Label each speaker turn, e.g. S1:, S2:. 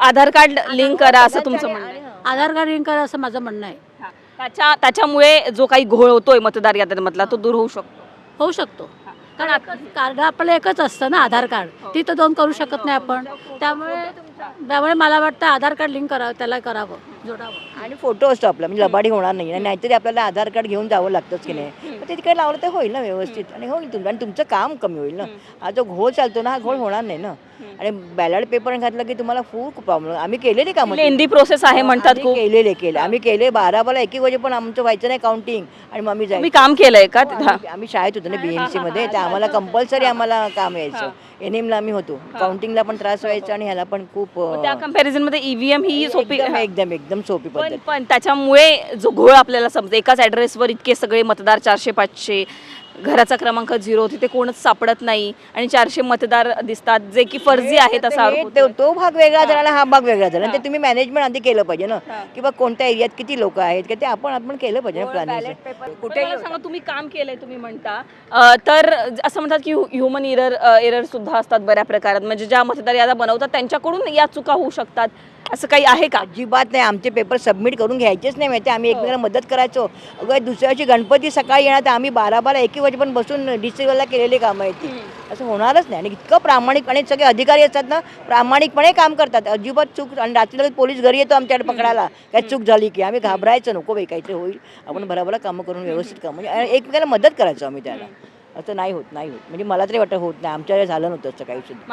S1: आधार card link करा असं तुमचं म्हणणं आहे.
S2: आधार कार्ड लिंक करा असं माझं म्हणणं आहे.
S1: त्याच्यामुळे जो काही घोळ होतोय मतदार याद्यांमधला तो दूर होऊ शकतो.
S2: होऊ शकतो. कारण कार्ड आपलं एकच असतं ना आधार कार्ड, ती तर दोन करू शकत नाही आपण. त्यामुळे मला वाटतं आधार कार्ड लिंक करावं, त्याला करावं, जोडावं.
S3: आणि फोटो असतो आपला, म्हणजे लबाडी होणार नाही. नाहीतरी आपल्याला आधार कार्ड घेऊन जावं लागतंच की नाही. मग ते तिकडे लावलं तर होईल ना व्यवस्थित, आणि होईल तुमचं, आणि तुमचं काम कमी होईल ना. हा जो घोळ चालतो ना, हा घोळ होणार नाही ना. आणि बॅलट पेपर घातलं की तुम्हाला खूप प्रॉब्लेम. आम्ही केलेले कामं,
S1: लेंदी प्रोसेस आहे म्हणतात खूप.
S3: केले आम्ही केले. 12 1 वाजे पण आमचं व्हायचं नाही काउंटिंग, आणि मग आम्ही
S1: तुम्ही काम केलंय का तिथं?
S3: आम्ही शाळेत होतो ना BMC मध्ये, तर आम्हाला कंपल्सरी आम्हाला काम यायचं. NM आम्ही होतो. काउंटिंगला पण त्रास व्हायचा आणि ह्याला पण खूप.
S1: त्या कंपॅरिझन मध्ये EVM ही सोपी
S3: एकदम सोपी पद्धत.
S1: पण त्याच्यामुळे जो घोळ आपल्याला समजतो, एकाच ऍड्रेसवर इतके सगळे मतदार 400-500, घराचा क्रमांक 0, तिथे कोणच सापडत नाही आणि 400 मतदार दिसतात जे की फर्जी आहेत असा आरोप होतोय.
S3: तो भाग वेगळा झाला, हा भाग वेगळा झाला. आणि ते तुम्ही मॅनेजमेंट आधी केलं पाहिजे ना, किंवा कोणत्या एरियात किती लोक आहेत का ते आपण केलं पाहिजे ना प्लॅनिंग.
S1: कुठे सांगा, तुम्ही काम केलंय तुम्ही म्हणता, तर असं म्हणतात की ह्युमन एरर सुद्धा असतात बऱ्या प्रकारात, म्हणजे ज्या मतदार याद्या बनवतात त्यांच्याकडून या चुका होऊ शकतात, असं काही आहे का?
S3: अजिबात नाही. आमचे पेपर सबमिट करून घ्यायचेच नाही माहिती. आम्ही एकमेकांना मदत करायचो. अगं दुसऱ्या दिवशी गणपती सकाळी येणार, तर आम्ही 12 1 वाजे पण बसून डिस्ट्रिक्टला केलेली कामं आहेत ती. असं होणारच नाही. आणि इतकं प्रामाणिकपणे सगळे अधिकारी असतात ना, प्रामाणिकपणे काम करतात, अजिबात चूक. आणि रात्री पोलीस घरी येतो आमच्याकडे पकडायला, काय चूक झाली की. आम्ही घाबरायचं नको, बाई काहीतरी होईल, आपण बरोबर कामं करून व्यवस्थित काम, म्हणजे एकमेकांना मदत करायचो आम्ही त्याला. असं नाही होत. म्हणजे मला तरी वाटतं होत नाही. आमच्या झालं नव्हतं असं काही सुद्धा.